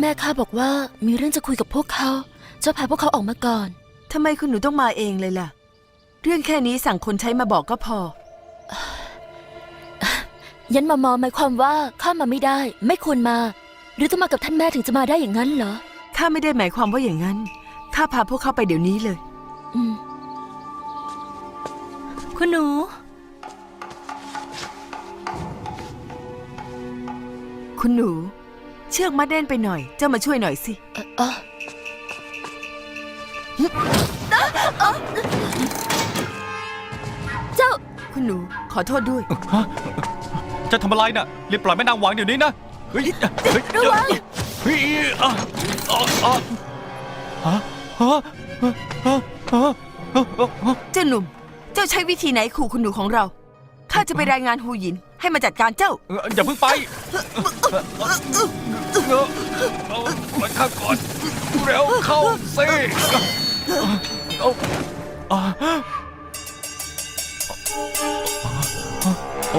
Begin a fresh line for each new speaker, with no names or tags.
แม่ข้าบอกว่ามีเรื่องจะคุยกับพวกเขาเจ้าพาพวกเขาออกมาก่อน
ทำไมคุณหนูต้องมาเองเลยล่ะเรื่องแค่นี้สั่งคนใช้มาบอกก็พอ
ยันมามอหมายความว่าข้ามาไม่ได้ไม่ควรมาหรือต้องมากับท่านแม่ถึงจะมาได้อย่างนั้นเหรอ
ข้าไม่ได้หมายความว่าอย่างนั้นข้าพาพวกเขาไปเดี๋ยวนี้เลย
คุณหนู
คุณหนูเชือกมัดแน่นไปหน่อยเจ้ามาช่วยหน่อยสิ
เจ้า
คุณหนูขอโทษด้วย
จะทำอะไรน่ะรีบปล่อยแม่นางหวังเดี๋ยวนี้นะเฮ้ย
ระวัง
เฮ้ย
เจ้าหนุ่มเจ้าใช้วิธีไหนขู่คุณหนูของเราข้าจะไปรายงานฮูหยินให้มาจัดการเจ้า
อย่าเพิ่งไปมาข้าก่อนเร็วเข้าสิ